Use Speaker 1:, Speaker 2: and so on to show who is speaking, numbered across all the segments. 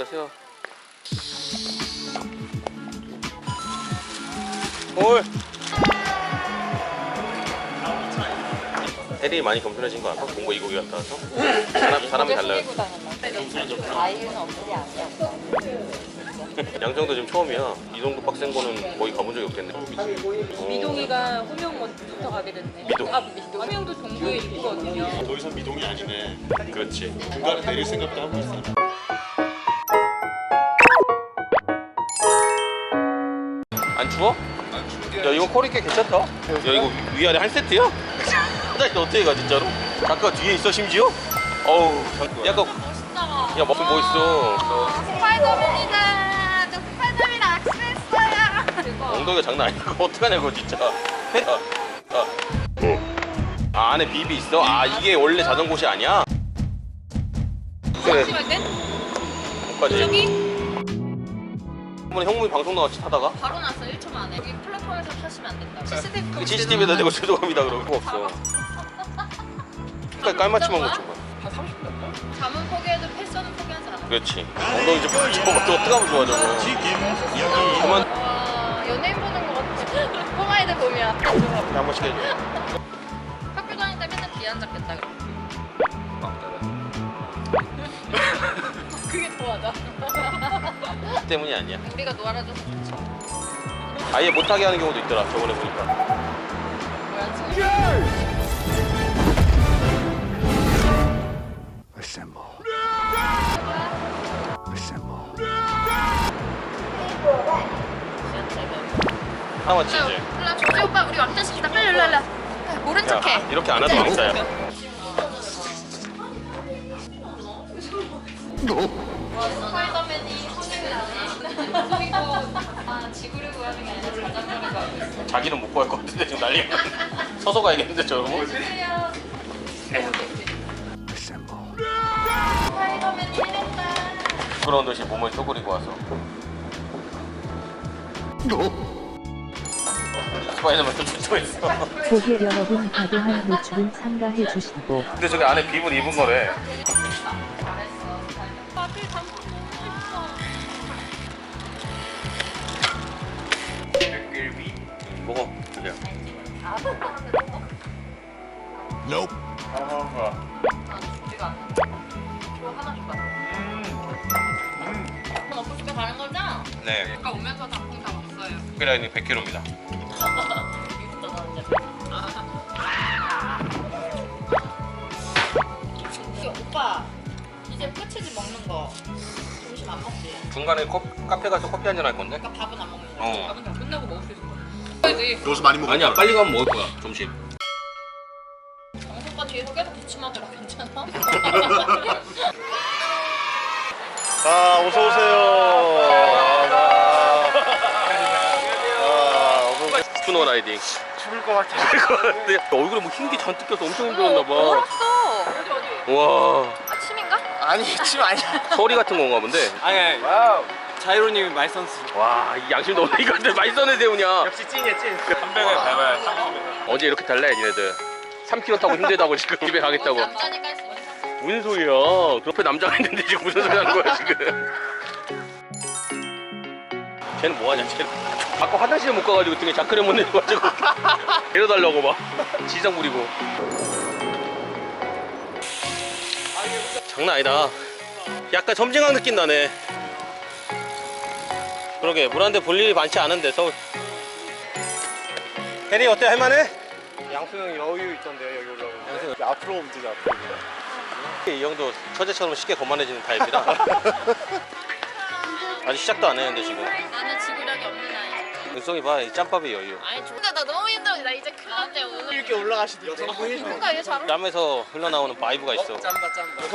Speaker 1: 여기다 세워. 올. 혜린이 많이 겸손해진 거 알아? 공부 이국이 갔다 와서? 사람이 달라요.
Speaker 2: 아이유는 없지 않냐?
Speaker 1: 양정도 지금 처음이야. 이 정도 빡센 거는 거의 가본 적이 없겠네.
Speaker 3: 미동이가 호명부터 가게 됐네.
Speaker 1: 미동.
Speaker 3: 호명도 동부에 있거든요.
Speaker 4: 더 이상 미동이 아니네.
Speaker 1: 그렇지.
Speaker 4: 중간에 내릴 생각도 하고 있어.
Speaker 1: 안 추워?
Speaker 4: 안 추운데.
Speaker 1: 야 이거 퀄이 꽤 괜찮다. 야 이거 위아래 한 세트야? 화장실 어떻게 가 진짜로? 작가 뒤에 있어 심지어? 어우 약간
Speaker 3: 멋있다.
Speaker 1: 야 무슨 뭐 있어?
Speaker 2: 스파이더맨이다. 저 스파이더맨이랑 악수했어요.
Speaker 1: 엉덩이가 장난 아니다. 그거 어떡하냐 그거 진짜. 아 안에 비비 있어? 아 이게 원래 자던 곳이 아니야? 그래
Speaker 3: 심할 땐
Speaker 1: 거기까지.
Speaker 3: 저기
Speaker 1: 한번 형님이 방송 나왔지 타다가?
Speaker 3: 바로 나서 1초 만에 여기 플랫폼에서 타시면 안 된다. CCTV
Speaker 1: CCTV에다 대고 죄송합니다 그러고 그거 없어. 그러니까 깔맞춤한 거 줘봐.
Speaker 3: 잠은 포기해도 패션은 포기하지 않아.
Speaker 1: 그렇지. 엉덩이 좀 저거 어떡하면 좋아 저거. 그만
Speaker 3: 와 연예인 보는 거 같지? 꼬마애들 보면
Speaker 1: 한 번씩 해줘.
Speaker 3: 학교 다닐 때 맨날 뒤에 앉았겠다. 그게 좋아져.
Speaker 1: 그 때문이 아니야.
Speaker 3: 우리가 놀아줘서 좋지.
Speaker 1: 아예 못하게 하는 경우도 있더라 저번에 보니까.
Speaker 3: 뭐야 지금?
Speaker 4: Assemble. Assemble.
Speaker 1: 하나만 치지.
Speaker 3: 일로 조지 오빠 우리 왕따시키다 빨리 일로. 모른 척해.
Speaker 1: 야, 이렇게 안 해도 왕따야.
Speaker 3: 스파이더맨이 허밍을 하네. 아 지구를 구하는 게 아니라 자전거를 구하고 있어.
Speaker 1: 자기는 못 구할 것 같은데 지금 난리. 서서 가야겠는데 저러고.
Speaker 4: Assemble.
Speaker 3: 스파이더맨이 해냈다.
Speaker 1: 그런 듯이 몸을 쪼그리고 와서. 스파이더맨 좀 출동했어.
Speaker 5: 고객 여러분 과도한 노출은 삼가해 주시고
Speaker 1: 근데 저기 안에 비분 입은 거래.
Speaker 3: 앞을 담고
Speaker 1: 먹어. 그냥.
Speaker 4: Nope.
Speaker 3: 우리가 저 하나 줄까? 엎고 싶게 가는 거죠?
Speaker 1: 네.
Speaker 3: 아까 오면서 단풍 다 먹었어요.
Speaker 1: 특별라인이 100kg입니다.
Speaker 3: 오빠 이제 끝이지 먹는 거. 점심 안 먹지?
Speaker 1: 중간에 카페 가서 커피 한잔 할 건데?
Speaker 3: 그러니까 밥은 안 먹는 거.
Speaker 1: 어.
Speaker 3: 밥은 다 끝나고 먹을 수 있을 거야. 그래야지.
Speaker 4: 여기서 많이 먹어.
Speaker 1: 아니야 빨리 가면 먹을 거야 점심.
Speaker 3: 정수 오빠 뒤에서 계속 기침하더라. 괜찮아?
Speaker 4: 자, 어서 오세요.
Speaker 1: 스푸너 라이딩.
Speaker 4: 죽을 것 같아.
Speaker 1: 얼굴에 뭐 흰 게 잔뜩 껴서 엄청 힘들었나 봐.
Speaker 3: 얼었어. 어디?
Speaker 1: 와
Speaker 3: 아침인가?
Speaker 6: 아니 침 아니야.
Speaker 1: 서리 같은 건가 본데.
Speaker 6: 아니 와우. 자이로님이 말선수.
Speaker 1: 와 이 양심 너무 이건데 많이 써내 세우냐.
Speaker 6: 역시 찐이야 찐. 300을 밟아야 30을.
Speaker 1: 어제 이렇게 달래 니네들. 3km 타고 힘들다고 지금 집에 가겠다고.
Speaker 3: 남자니까 할 수 있는 상태.
Speaker 1: 무슨 소리야. 그 옆에 남자가 있는데 지금 무슨 소리 하는 거야 지금. 쟤는 뭐하냐 쟤는. 아까 화장실에 못 가가지고 등에 자크를 못 내려가지고 데려달라고 막 지상 부리고. 장난 아니다. 약간 점쟁한 느낌 나네. 그러게 물 한 대 볼 일이 많지 않은데 서울. 혜리 어때 할만해?
Speaker 6: 양수형 여유 있던데요 여기 올라오면. 양수형 앞으로 오면 되지 앞으로.
Speaker 1: 이 형도 처제처럼 쉽게 거만해지는 타입이라. 아직 시작도 안 했는데 지금.
Speaker 3: 나는 지구력이 없는 아이.
Speaker 1: 은성이 봐, 이 짬밥의 여유.
Speaker 3: 아니 근데 나 너무 힘들어. 나 이제 큰일 났대 오늘.
Speaker 6: 이렇게 올라가시던데.
Speaker 3: 뭔가 얘 잘.
Speaker 1: 땀에서 흘러나오는 바이브가 있어.
Speaker 6: 짬바 짬바.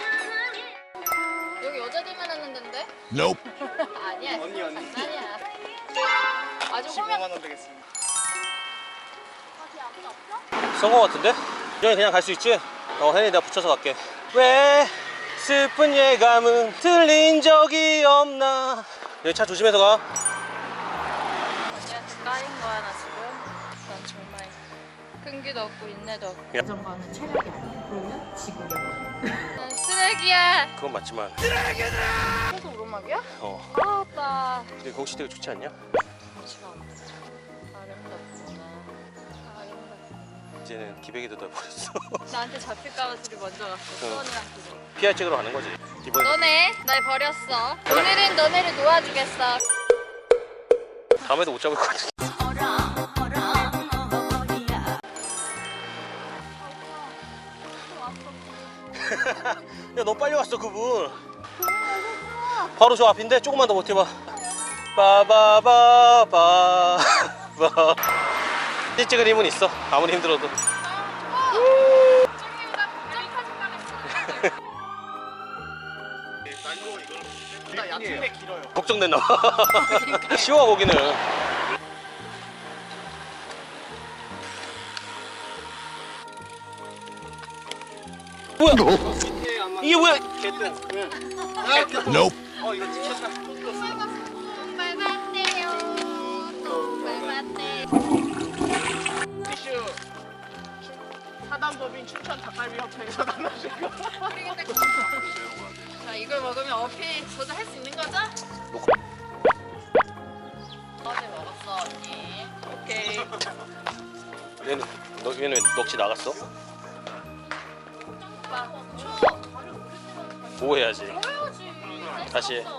Speaker 3: 여기 여자들만 하는 데인데?
Speaker 4: Nope.
Speaker 3: 아니야.
Speaker 6: 언니, 언니.
Speaker 3: 아니야. 아주
Speaker 6: 15만
Speaker 3: 호명.
Speaker 6: 원 되겠습니다.
Speaker 1: 쓴 거 같은데? 이정이 그냥 갈 수 있지? 혜리 내가 붙여서 갈게. 왜 슬픈 예감은 들린 적이 없나. 여기 차 조심해서 가.
Speaker 3: 언니한테 까인 거야 나 지금. 난 정말 끈기도 없고 인내도 없고.
Speaker 5: 자전거는 체력이 아니야. 그러면 지구력.
Speaker 3: 난
Speaker 2: 쓰레기야.
Speaker 1: 그건 맞지만.
Speaker 2: 계속 오르막이야?
Speaker 1: 어.
Speaker 2: 아따.
Speaker 1: 근데 거기 되게 좋지 않냐?
Speaker 2: 아름답구나. 아름답구나.
Speaker 1: 이제는 기백이 뜯어버렸어.
Speaker 3: 나한테 잡힐까봐 둘이 먼저 갔어. 수원이랑 둘이.
Speaker 1: PR 찍으러 가는 거지. 이번에
Speaker 2: 너네 날 버렸어. 오늘은 너네를 놓아주겠어.
Speaker 1: 다음에도 못 잡을 것 같아. 야, 너 빨리 왔어, 그분. 바로 저 앞인데 조금만 더 버텨봐. 빠바바바바. 사진 찍을 힘은 있어. 아무리 힘들어도.
Speaker 6: 나 얕은데 길어요.
Speaker 1: 걱정됐나 봐. 쉬워 거기는. 뭐야? 이게 뭐야?
Speaker 6: 개뜬.
Speaker 4: Nope.
Speaker 6: 이거 찍혔다.
Speaker 2: 밟았대요. 또 밟았대.
Speaker 6: 티슈. 사단법인 춘천 닭갈비 협회에서 나눠줄 거.
Speaker 2: 자, 이걸 먹으면 어필 저도 할 수 있는 거죠? 어제 먹었어 언니. 오케이.
Speaker 1: 얘는 넋이 나갔어?
Speaker 2: 오빠 초.
Speaker 1: 뭐 해야지?
Speaker 2: 보여야지.
Speaker 1: 다시 해.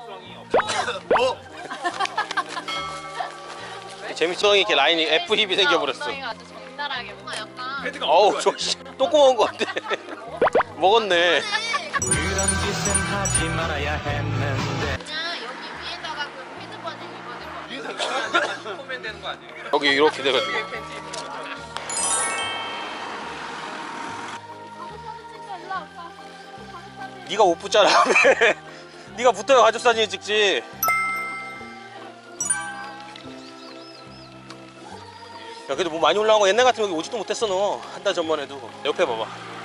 Speaker 1: 재밌성이 이렇게 라인이 F 힙이 생겨버렸어.
Speaker 2: 엉덩이가 아주 적나라하게 뭔가 약간.
Speaker 1: 어우 저 또 꼬마온 것 같아. 먹었네.
Speaker 2: 그냥 여기 위에다가 그 패드 바지 입어줄 거.
Speaker 6: 보면 되는 거 아니에요?
Speaker 1: 여기 이렇게 돼가지고. 네가 못 붙잖아. 네가 붙어야 가족 사진 찍지. 야 그래도 뭐 많이 올라온 거 옛날 같으면 여기 오지도 못했어 너. 한 달 전만 해도. 옆에 봐봐.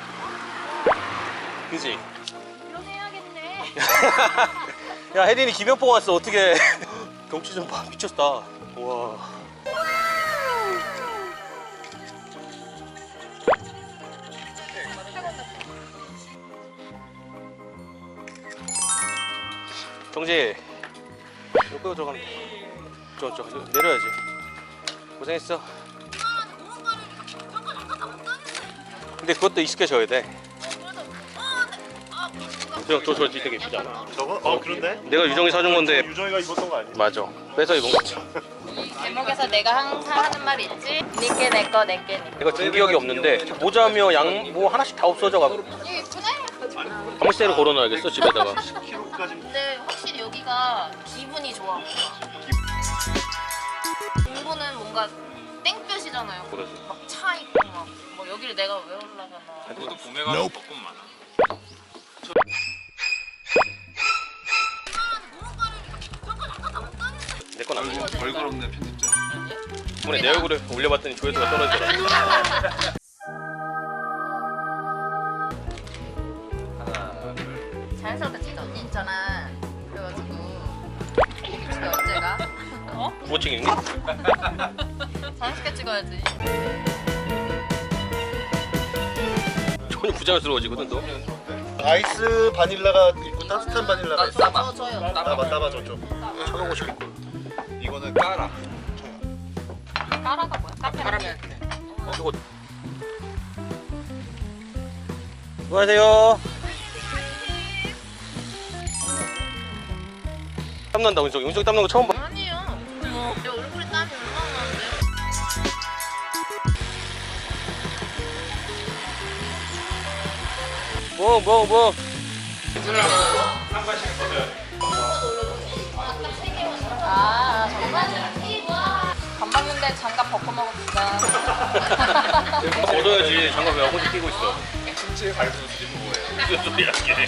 Speaker 1: 그지?
Speaker 2: 이렇게 해야겠네.
Speaker 1: 야 혜린이 김연봉 왔어 어떻게? 경치 좀 봐. 미쳤다. 와. 경지 여기로 들어가면 돼. 저 내려야지. 고생했어. 근데 그것도 익숙해져야 돼. 저 되게 예쁘지 않아?
Speaker 4: 저거? 그런데?
Speaker 1: 내가 유정이 사준 건데.
Speaker 4: 유정이가 입었던 거 아니야?
Speaker 1: 맞아. 뺏어 입은 거지.
Speaker 2: 이 제목에서 내가 항상 하는 말 있지? 니께 내꺼 내께 니.
Speaker 1: 내가 준 기억이 없는데 모자며 양 뭐 하나씩 다 없어져가지고
Speaker 2: 이거 예쁘네?
Speaker 1: 가무새로 걸어놔야겠어 집에다가.
Speaker 4: 10kg까지.
Speaker 2: 근데 확실히 여기가 기분이 좋아. 공부는 뭔가 땡볕이잖아요.
Speaker 1: 그래서.
Speaker 2: 막 차 있고 막 뭐 여기를 내가 왜 올라가나.
Speaker 7: 그것도 봄에 가면 벚꽃 많아.
Speaker 1: 내 건 아니야.
Speaker 7: 벌거롭네 편집자.
Speaker 1: 이번에 내 얼굴에 올려봤더니 조회수가 떨어지더라.
Speaker 2: 자연스럽게 찍자. 언니 있잖아. 그래가지고 집에 언제 가? 어?
Speaker 1: 부어칭 있니?
Speaker 2: 자연스럽게 찍어야지.
Speaker 1: 전혀 부자연스러워지거든 너.
Speaker 4: 아이스 바닐라가 있고 따뜻한 바닐라가 있어.
Speaker 2: 저요.
Speaker 4: 따봐 저쪽.
Speaker 1: 쳐보고 싶고.
Speaker 7: 이거는 까라.
Speaker 2: 까라가 뭐야? 카페.
Speaker 1: 저거. 수고하세요. 땀난다 은석이. 은석이 땀난 거 처음 봐.
Speaker 2: 아니에요. 내 얼굴에 땀이 얼마나 나는데.
Speaker 1: 뭐.
Speaker 2: 아 정말? 밥 먹는데 장갑 벗고 먹읍시다.
Speaker 1: 얻어야지. 장갑 왜 혼자 끼고 있어?
Speaker 7: 신체 발수 수준 뭐예요?
Speaker 1: 무슨 소리야 이게.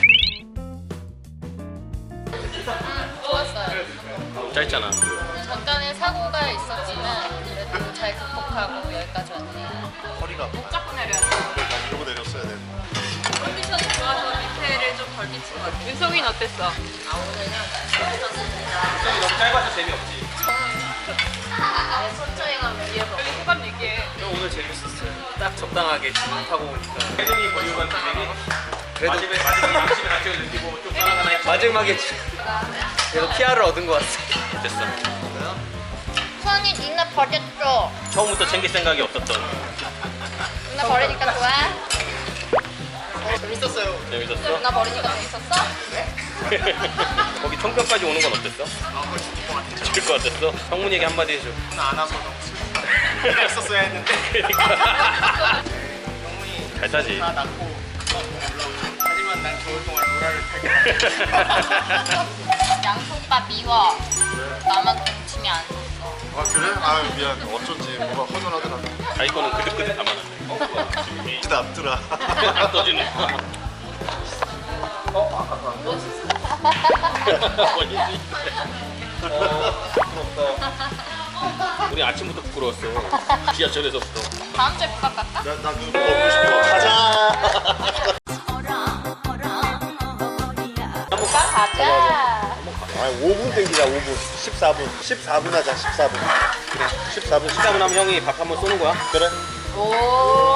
Speaker 2: 좋았어요.
Speaker 1: 너무 짧잖아.
Speaker 2: 잠깐의 사고가 있었지만 그래도 잘 극복하고 여기까지 왔네요.
Speaker 4: 허리가 아파.
Speaker 2: 자꾸 내려야 돼.
Speaker 4: 이러고 내렸어야 돼.
Speaker 3: 컨디션 좋아서 밑에를 좀 덜 미친 것 같아. 윤성이는 어땠어?
Speaker 2: 아 오늘은 재밌었습니다.
Speaker 1: 너무 짧아서 재미없지.
Speaker 2: 천천히가 위에서.
Speaker 3: 빨리 소감 얘기해.
Speaker 1: 오늘 재밌었어요. 딱 적당하게 타고 오니까. 혜린이 버리고 간 기백이
Speaker 6: 그래도
Speaker 1: 마지막에 양심의 가책을 느끼고 좀 살아가나 했죠.
Speaker 6: 마지막에 그래도 PR을 얻은 것 같아.
Speaker 1: 됐어.
Speaker 2: 수원이 누나 버렸어.
Speaker 1: 처음부터 챙길 생각이 없었던.
Speaker 2: 누나 버리니까 좋아?
Speaker 4: 재밌었어요.
Speaker 1: 재밌었어?
Speaker 2: 누나 버리니까 재밌었어?
Speaker 1: 거기 청평까지 오는 건 어땠어? 죽을 것 같았어? 성문이에게 한마디 해줘.
Speaker 4: 안 와서 너무 슬펐다. 했었어야 했는데.
Speaker 1: 그러니까. 잘 타지.
Speaker 4: 다 낳고 올라오죠. 하지만 난 겨울 동안 로라를 타게.
Speaker 2: 양손빠 미워. 나만 동치미 안 줬어.
Speaker 4: 아 그래? 아 미안. 어쩐지 뭐가 허전하더라.
Speaker 1: 자기 거는 그득그득 담아놨네.
Speaker 4: 진짜 앞더라.
Speaker 1: 안 떠주네. 우리 아침부터 부끄러웠어. 지하철에서부터.
Speaker 2: 다음 주에 부각 갈까?
Speaker 4: 나 그거 먹고 싶어. 가자.
Speaker 2: 부각 가자.
Speaker 4: 아 5분 땡기자 5분. 14분. 14분 하자 14분. 그래 14분.
Speaker 1: 14분 하면 형이 밥 한번 쏘는 거야?
Speaker 4: 그래.
Speaker 2: 오.